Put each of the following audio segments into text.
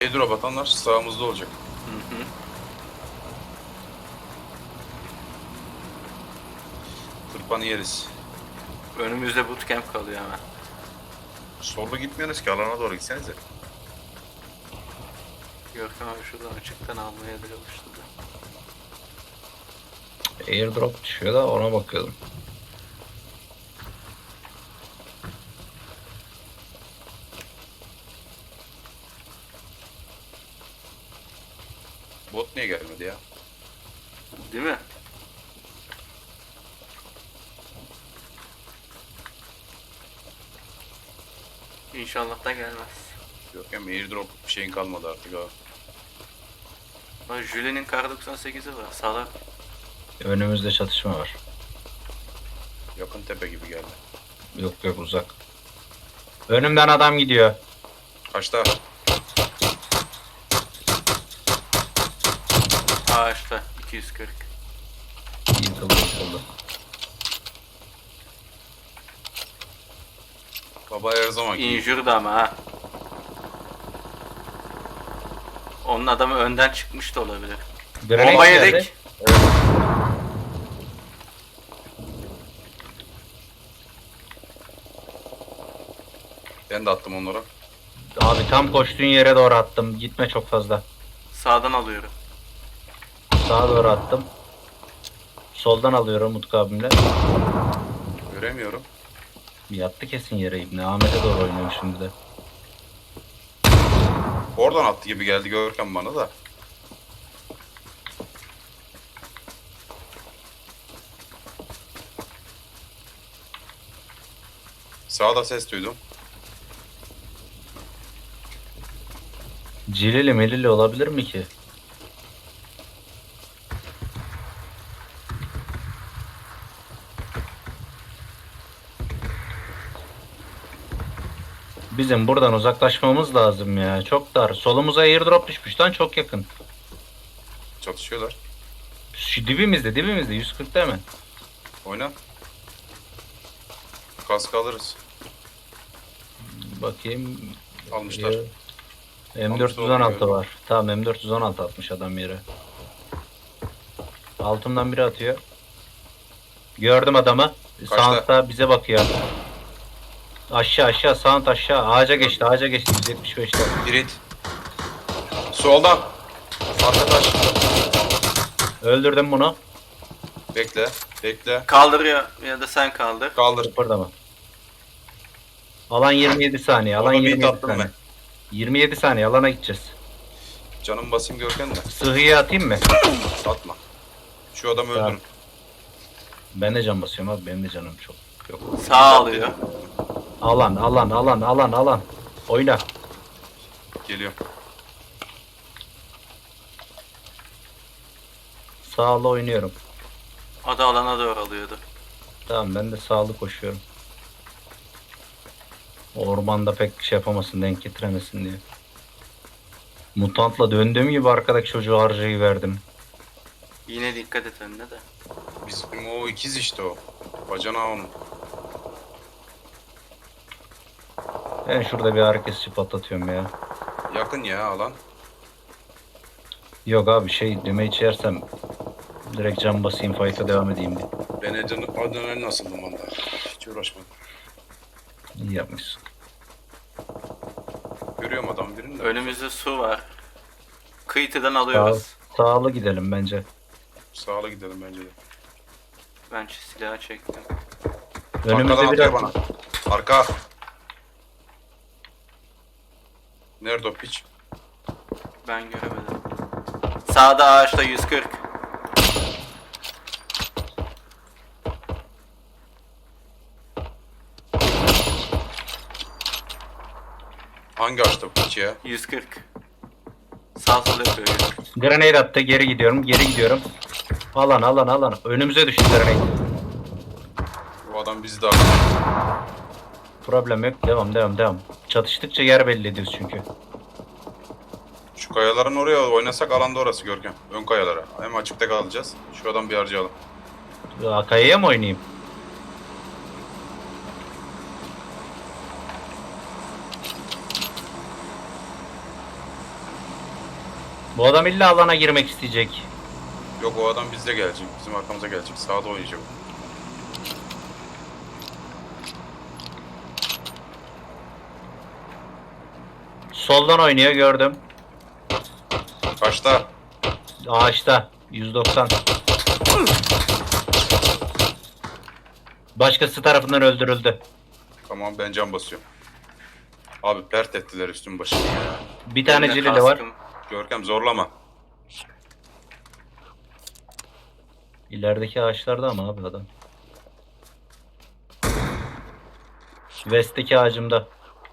Airdrop atanlar sağımızda olacak. Hı hı. Tırpanı yeriz. Önümüzde bootcamp kalıyor hemen. Solda gitmiyorsunuz ki, alana doğru gitsenize. Görkem abi şuradan açıktan almaya da çalıştı da. Airdrop düşüyor da ona bakıyordum. Bot niye gelmedi ya? Değil mi? İnşallah da gelmez. Yok hem airdrop bir şeyin kalmadı artık abi. Lan Julien'in kar 98'i var. Salak. Önümüzde çatışma var. Yakın tepe gibi geldi. Yok yok, uzak. Önümden adam gidiyor. Kaçta? Ağaçta 240. Yıkıldı yıkıldı. Baba her zaman ki. Injured ama ha. Onun adamı önden çıkmış da olabilir. Grenade Bomba geldi. yedik. Ben de attım onlara. Abi tam koştuğun yere doğru attım. Gitme çok fazla. Sağdan alıyorum. Sağa doğru attım. Soldan alıyorum Utku abimle. Göremiyorum. Yattı kesin yere İbni. Ahmet'e doğru oynuyorum şimdi de. Oradan attı gibi geldi Görkem bana da. Sağda ses duydum. Cilili melili olabilir mi ki? Bizim buradan uzaklaşmamız lazım ya. Çok dar. Solumuza airdrop düşmüş lan, çok yakın. Çatışıyorlar. Şu dibimizde 140 değil mi? Oyna. Kask alırız. Bakayım. Almışlar. M416 var. Tamam, M416 atmış adam yere. Altımdan biri atıyor. Gördüm adamı. Kaçta? Sound'da bize bakıyor. Aşağı sound aşağı. Ağaca geçti 175'te. Girit. Soldan. Arka taş. Öldürdüm bunu. Bekle. Bekle. Kaldır ya da sen kaldır. Kaldır. Kıpırdama. Alan 27 saniye. Alan Ona bir 27 tattım saniye. ben. 27 saniye alana gideceğiz. Canım basayım Görkem de. Sıhhiye atayım mı? Atma. Şu adamı Tamam. öldürün. Ben de can basıyorum abi. Benim de canım çok yok. Sağ alıyor. Alan. Oyna. Geliyor. Sağla oynuyorum. O da alana doğru alıyordu. Tamam, ben de sağlı koşuyorum. Ormanda pek şey yapamasın, denk getiremesin diye. Mutantla döndüğüm gibi arkadaki çocuğu harcayıverdim. Yine dikkat et önüne de. Bizim o ikiz işte o. Bacanağı onun. Ben şurada bir herkesi patlatıyorum ya. Yakın ya alan. Yok abi, düğme içersem direkt can basayım, fight'a devam edeyim diye. Ben adrenalin asıldım valla. Hiç uğraşmadım. İyi yapmışsın. Görüyorum adam birini de. Önümüzde su var. Kıyıdan alıyoruz. Sağlı gidelim bence. Sağla gidelim bence de. Ben şu silahı çektim. Önümüzde Arkadan bir atıyor bana. Arka. Nerede o piç? Ben göremedim. Sağda ağaçta 140. Hangi ağaçta bu piç ya? 140. Sağ sol yapıyor. Grenade attı, geri gidiyorum. Alan. Önümüze düştü grenade. Bu adam bizi daha. Problem yok, devam. Çatıştıkça yer belli ediyoruz çünkü. Şu kayaların oraya oynasak alanda orası Görkem. Ön kayalara. Hem açıkta kalacağız. Şu adam bir harcayalım. Kayaya mı oynayayım? Bu adam illa alana girmek isteyecek. Yok, o adam bizde gelecek. Bizim arkamıza gelecek. Sağda oynayacak. Soldan oynuyor gördüm. Kaçta? Ağaçta 190. Başkası tarafından öldürüldü. Tamam, ben can basıyorum. Abi pert ettiler üstüm başımı ya. Bir tane Eline cilili var. kaskım. Görkem zorlama. İlerideki ağaçlarda ama abi adam. West'teki ağacımda.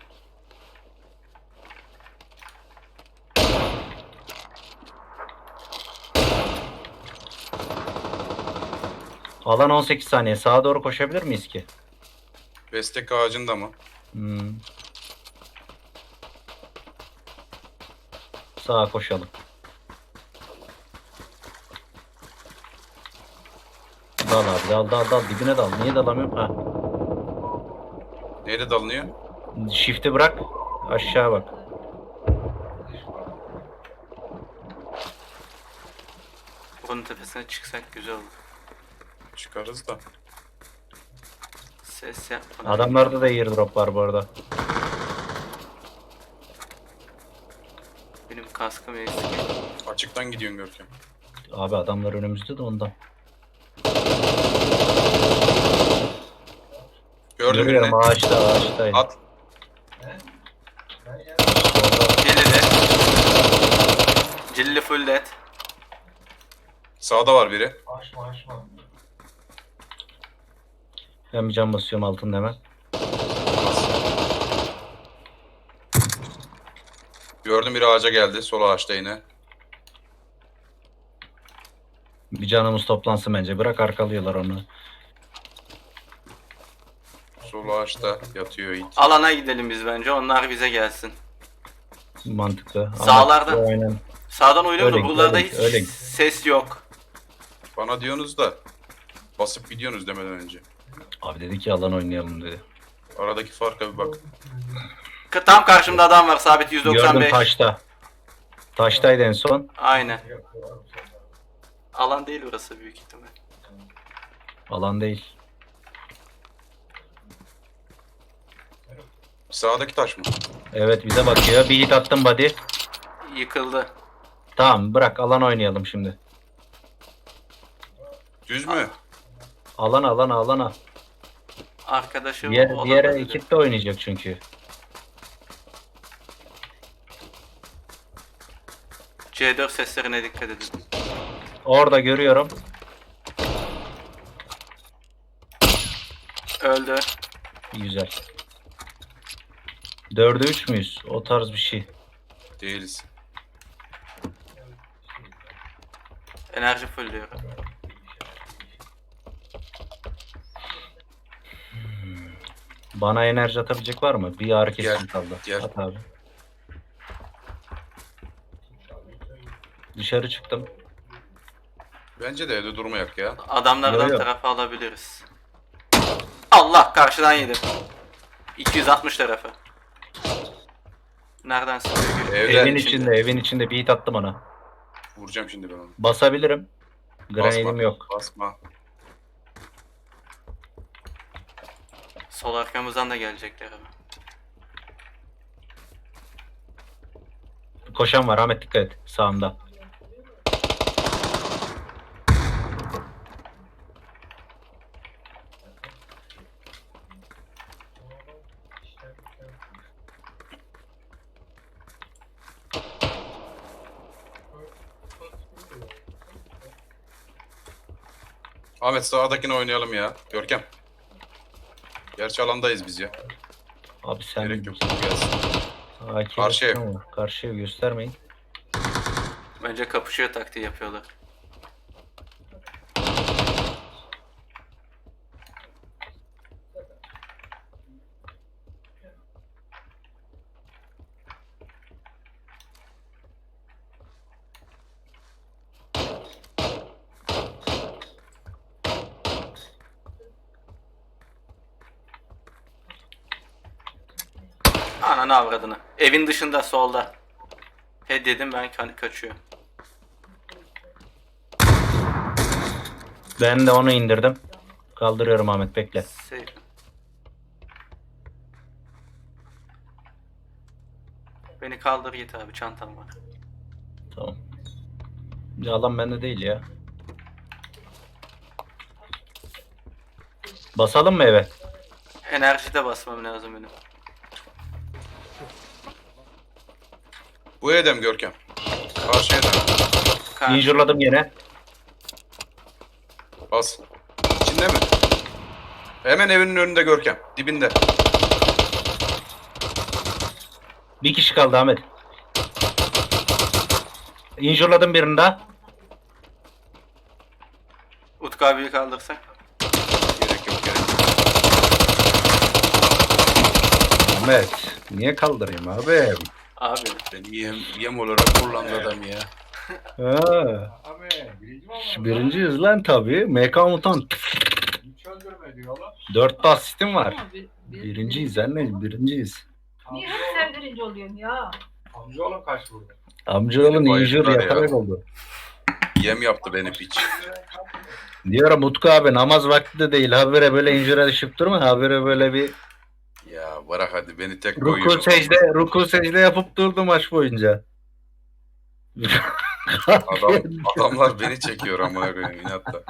Alan 18 saniye. Sağa doğru koşabilir miyiz ki? Bestek ağacında mı? Hmm. Sağa koşalım. Dal abi dal dibine dal. Niye dalamıyorum? Ha. Neyle dalınıyor? Shift'i bırak. Aşağı bak. Bunun tepesine çıksak güzel olur. Çıkarız da. Ses yapmadan. Adamlarda da airdrop var bu arada. Benim kaskım eksik. Açıktan gidiyorsun Görkem. Abi adamlar önümüzde de ondan. Gördüm Görüyorum birini. ağaçtaydı. At. Cillili. Cillili full dead. Sağda var biri. Ben bir can basıyorum altında hemen. Gördüm, biri ağaca geldi. Sol ağaçta yine. Bir canımız toplansın bence. Bırak arkalıyorlar onu. Sol ağaçta yatıyor it. Alana gidelim biz bence. Onlar bize gelsin. Mantıklı. Sağlarda. Ama- Aynen. Sağdan oynuyorum da Öyle, buralarda öyle, hiç öyle. ses yok. Bana diyorsunuz da basıp gidiyorsunuz demeden önce. Abi dedi ki alan oynayalım dedi. Aradaki farka bir bak. Tam karşımda adam var. Sabit Gördüm 195. taşta. Taştaydı en son. Aynen. Alan değil burası büyük ihtimal. Alan değil. Sağdaki taş mı? Evet bize bakıyor. Bir hit attım body. Yıkıldı. Tamam bırak alan oynayalım şimdi. Düz mü? Alana. Arkadaşım Diğer olabilir. ekip de oynayacak çünkü. C4 seslerine dikkat edin. Orada görüyorum. Öldü. Güzel. 4'e 3 müyüz? O tarz bir şey. Değiliz. Enerji full diyorum. Bana enerji atabilecek var mı? Bir ağrı kesici Gel, kaldı. gel. At abi. Dışarı çıktım. Bence de evde durmayak ya. Adamlardan Yo, yo. tarafa alabiliriz. Allah karşıdan yedim. 260 tarafı. Nereden sıkıyor? Evde Evin içinde bir hit attım ona. vuracağım şimdi ben onu. Basabilirim. Grenade'im Basma. yok. Basma. Sol arkamızdan da gelecekler ama. Koşan var Ahmet dikkat et. Sağımda. Ahmet sağdakini oynayalım ya. Görkem. Gerçi alandayız biz ya. Abi sen Gerek yok. Gelsin. AK Karşıya. ama karşıya göstermeyin. Bence kapışıyor taktiği yapıyorlar. Ananı avradını. Evin dışında solda. He dedim ben kaçıyor. Ben de onu indirdim. Kaldırıyorum Ahmet bekle. Safe. Beni kaldır git abi, çantam var. Tamam. Ya alan bende değil ya. Basalım mı eve? Enerji de basmam lazım benim. Bu Edem Görkem. Karşı Edem. Karşı. Injurladım yine. Bas. İçinde mi? Hemen evinin önünde Görkem. Dibinde. Bir kişi kaldı Ahmet. Injurladım birini daha. Utku abiyi kaldırsak. Gerek yok gerek yok. Ahmet. Niye kaldırayım abi? Abi. Beni yem olarak kullandı adam ya. Ha. Birinciyiz lan tabii. MK Mutant. 4 asistim var. Birinciyiz anne, birinciyiz. Niye hep sen birinci oluyorsun ya? Amcaoğlum kaç vurdu? Amcaoğlum Beni injur bayılttılar yaparak ya. oldu. Yem yaptı beni piç. Diyorum Utku abi namaz vakti de değil. Habire böyle injure düşüp durma. Habire böyle bir Ya bırak hadi beni tek ruku secde yapıp durdu maç boyunca. Adamlar beni çekiyor amına koyayım inatla.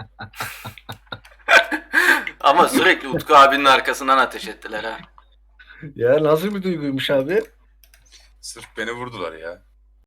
Ama sürekli Utku abinin arkasından ateş ettiler ha. Ya nasıl bir duyguymuş abi? Sırf beni vurdular ya.